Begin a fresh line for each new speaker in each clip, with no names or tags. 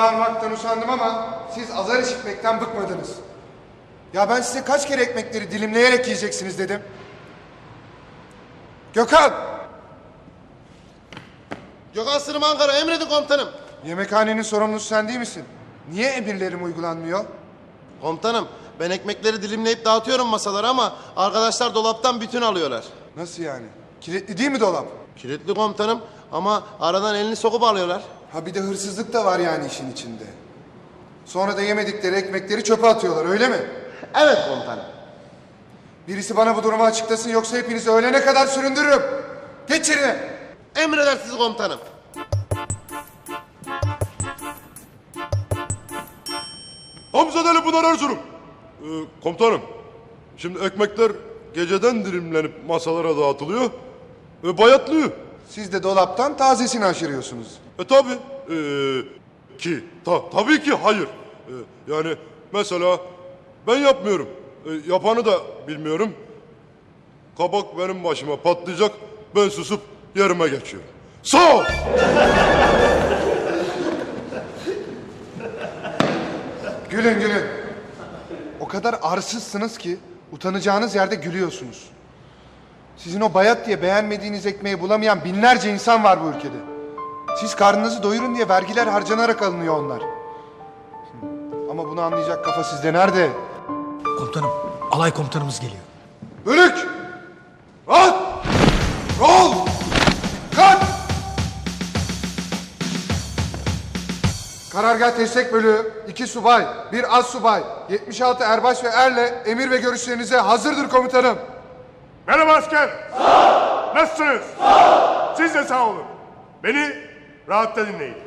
bağırmaktan usandım ama siz azar işitmekten bıkmadınız. Ya ben size kaç kere ekmekleri dilimleyerek yiyeceksiniz dedim. Gökhan!
Gökhan Sırım Ankara, emredin komutanım.
Yemekhanenin sorumlusu sen değil misin? Niye emirlerim uygulanmıyor?
Komutanım, ben ekmekleri dilimleyip dağıtıyorum masalara ama arkadaşlar dolaptan bütün alıyorlar.
Nasıl yani? Kilitli değil mi dolap?
Kilitli komutanım ama aradan elini sokup alıyorlar.
Ha bir de hırsızlık da var yani işin içinde. Sonra da yemedikleri ekmekleri çöpe atıyorlar öyle mi?
Evet komutanım.
Birisi bana bu durumu açıklasın yoksa hepinizi öğlene kadar süründürürüm. Geç yerine.
Emredersiniz komutanım.
Hamzadeli Pınar Erzurum. Komutanım, şimdi ekmekler geceden dilimlenip masalara dağıtılıyor ve bayatlıyor.
Siz de dolaptan tazesini aşırıyorsunuz.
Tabi tabii ki hayır. Yani mesela ben yapmıyorum. Yapanı da bilmiyorum. Kabak benim başıma patlayacak. Ben susup yerime geçiyorum. Sağ ol.
Gülün gülün. O kadar arsızsınız ki utanacağınız yerde gülüyorsunuz. Sizin o bayat diye beğenmediğiniz ekmeği bulamayan binlerce insan var bu ülkede. Siz karnınızı doyurun diye vergiler harcanarak alınıyor onlar. Ama bunu anlayacak kafa sizde nerede?
Komutanım, alay komutanımız geliyor.
Bölük! Rahat! Rol! Kalk! Karargah Destek Bölüğü, 2 subay, 1 az subay, 76 erbaş ve erle emir ve görüşlerinize hazırdır komutanım.
Merhaba asker. Sağ ol. Nasılsınız? Sağ ol. Siz de sağ olun. Beni rahatta dinleyin.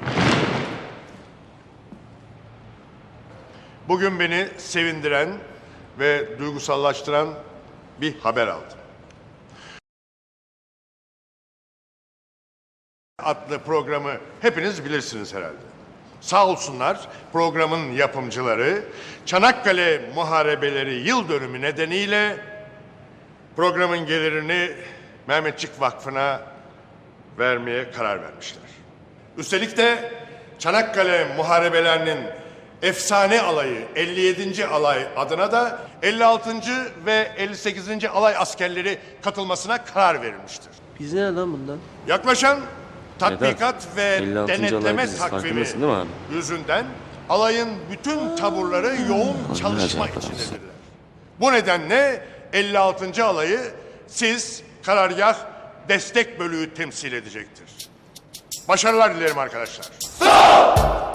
Bugün beni sevindiren ve duygusallaştıran bir haber aldım. Adlı programı hepiniz bilirsiniz herhalde. Sağ olsunlar programın yapımcıları Çanakkale Muharebeleri yıl dönümü nedeniyle programın gelirini Mehmetçik Vakfı'na vermeye karar vermişler. Üstelik de Çanakkale Muharebelerinin efsane alayı 57. alay adına da 56. ve 58. alay askerleri katılmasına karar verilmiştir.
Biz ne lan bundan?
Yaklaşan tatbikat ve
56.
denetleme
alay dizisi,
takvimi
farkındasın değil mi abi?
yüzünden alayın bütün taburları yoğun çalışma
acayip
içindedirler. Bu nedenle 56. alayı siz karargah destek bölüğü temsil edecektir. Başarılar dilerim arkadaşlar. Sağ ol!